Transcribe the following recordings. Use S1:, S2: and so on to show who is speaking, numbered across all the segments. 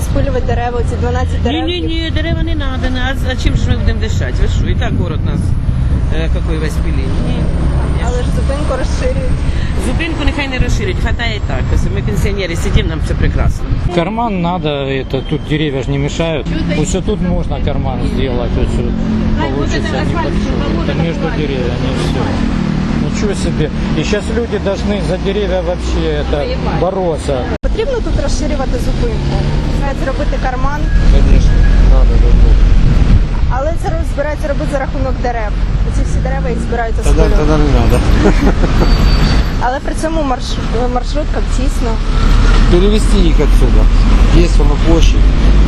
S1: розпилювати дерева, ці 12 дерев?
S2: Ні, дерева не треба. А чим ж ми будемо дишати? Ви що, і так город у нас, який весь пилін. Ні.
S1: Але ж зупинку розширюють.
S2: Зупинку нехай не розширять, хватає і так. Якщо ми пенсіонери сидимо, нам все прекрасно.
S3: Карман надо, это тут деревья же не мешают. Вот все тут можно карман сделать, вот все получится небольшой. Это между деревьями все. Ничего себе. И сейчас люди должны за деревья вообще это бороться.
S1: Потрібно тут розширювати зупинку? Навіть зробити карман?
S4: Конечно, надо.
S1: Але це збирається робити за рахунок дерев. Ці всі дерева їх збираються спилювати.
S4: Тогда не надо.
S1: Але при цьому маршруткам тісно.
S4: Перевести их отсюда. Есть на площадь.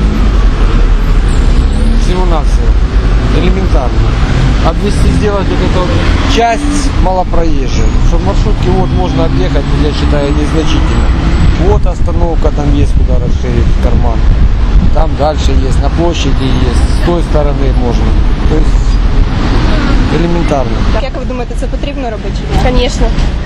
S4: Всего-навсего. Элементарно. Обвести, сделать вот эту часть малопроезжей. Чтобы маршрутки вот можно объехать, я считаю, незначительно. Вот остановка, там есть куда расширить карман. Там дальше есть, на площади есть, с той стороны можно. То есть элементарно.
S1: Як ви думаєте, це потрібно робити чи ні?
S5: Конечно.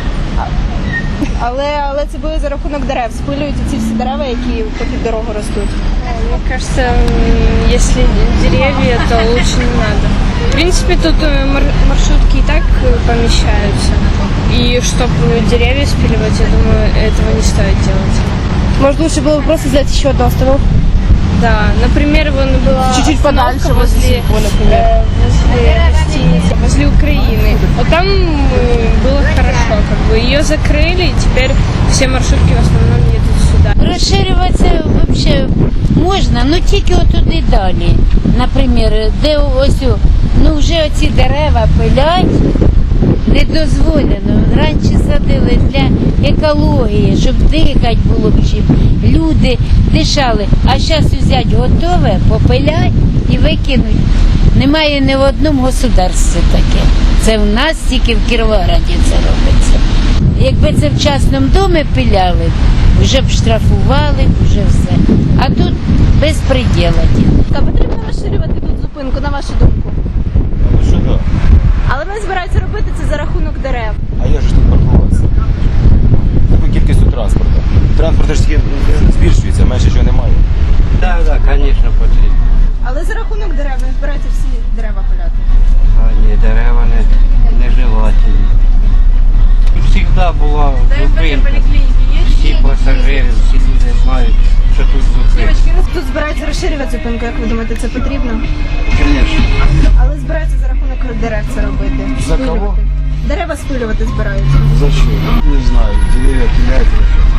S1: Але це буде за рахунок дерев. Спилюють ці всі дерева, які попід дорогу ростуть.
S5: Мне кажется, если деревья, то лучше не надо. В принципе, тут маршрутки и так помещаются. И чтобы деревья спиливать, я думаю, этого не стоит делать.
S1: Может, лучше было бы просто сделать еще одну остановку?
S5: Да, например, вон была
S1: Чуть-чуть
S5: остановка
S1: подальше, возле Сибо, например.
S5: возле гостиницы, возле Украины. Вот там было хорошо, как бы ее закрыли, и теперь все маршрутки в основном едут сюда.
S6: Розширюватися взагалі можна, ну тільки отуди далі. Наприклад, де ось, ну вже оці дерева пилять, не дозволено. Раніше садили для екології, щоб дихати було б чим. Люди дишали, а зараз взяти готове, попилять і викинуть. Немає ні в одному государстві таке. Це в нас тільки в Кіровограді це робиться. Якби це в частному домі пиляли, вже б штрафували, вже все. А тут безпреділа.
S1: Потрібно розширювати тут зупинку, на вашу думку?
S4: Что да?
S1: Але вони збираються робити це за рахунок дерев.
S4: А я же тут паркуватися. Таку кількістю транспорту. Транспорт ж тільки збільшується, менше чого немає.
S7: Так, звісно, потрібно.
S1: Але за рахунок дерев вони збираються всі дерева пиляти.
S7: А ні, дерева не желательні. Завжди була зупинка. Всі пасажири, всі люди знають, що тут зупинка.
S1: Тут збираються розширювати зупинку, як ви думаєте, це потрібно?
S7: Звісно.
S1: Але збираються за рахунок дерев це робити.
S4: За кого?
S1: Дерева спилювати збираються.
S4: Зачем? Не знаю, деревья пилять.